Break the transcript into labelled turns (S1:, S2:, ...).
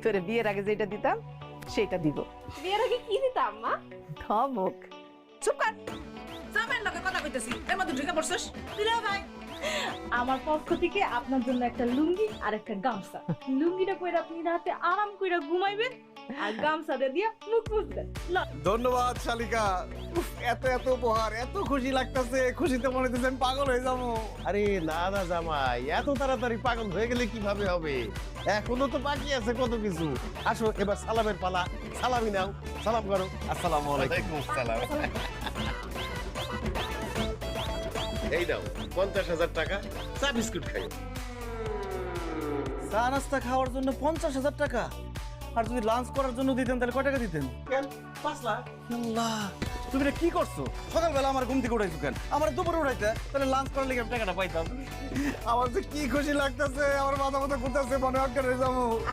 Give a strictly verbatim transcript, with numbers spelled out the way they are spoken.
S1: তোরে বিয়ের আগে যেটা দিতাম সেটা দিব।
S2: বিয়ের আগে কি দিতাম মা?
S1: ধমক।
S3: চুপ কর, জামাইয়ের লগে কথা কইতেছি, এর মধ্যে ঢুকে পড়ছস। দিলে ভাই
S2: আমার পক্ষ থেকে আপনার জন্য একটা লুঙ্গি আর একটা গামছা। লুঙ্গিটা পরে আপনি রাতে আরাম করে ঘুমাইবেন আর গামছাটা দিয়ে মুখ মুছবেন।
S4: ধন্যবাদ শালিকা। উফ, এত এত উপহার, এত খুশি লাগতেছে, খুশিতে মনে হচ্ছে আমি পাগল হয়ে যাবো।
S5: আরে না না জামাই, এত তাড়াতাড়ি পাগল হয়ে গেলে কিভাবে হবে? এখনো তো বাকি আছে কত কিছু। আসো এবার সালামের পালা, সালামি নাও, সালাম করো।
S4: আসসালামু আলাইকুম।
S5: সালাম। এই নাও পঞ্চাশ হাজার টাকা, চা বিস্কুট খাইও।
S4: চা নাস্তা খাওয়ার জন্য পঞ্চাশ হাজার টাকা, আর যদি লাঞ্চ করার জন্য দিতেন তাহলে কয় টাকা দিতেন?
S5: কেন পাঁচ লাখ?
S4: আল্লাহ, তুমি এটা কি করছো? সকালবেলা আমার ঘুম থেকে উঠাইছো কেন? আমার দুপুরে উঠাইতে, তাহলে লাঞ্চ করার লেগে আমি টাকাটা পাইতাম। আমার যে কি খুশি লাগতেছে, আমার মাথা মাথা ঘুরতেছে, মনে অজ্ঞান হয়ে যাবো।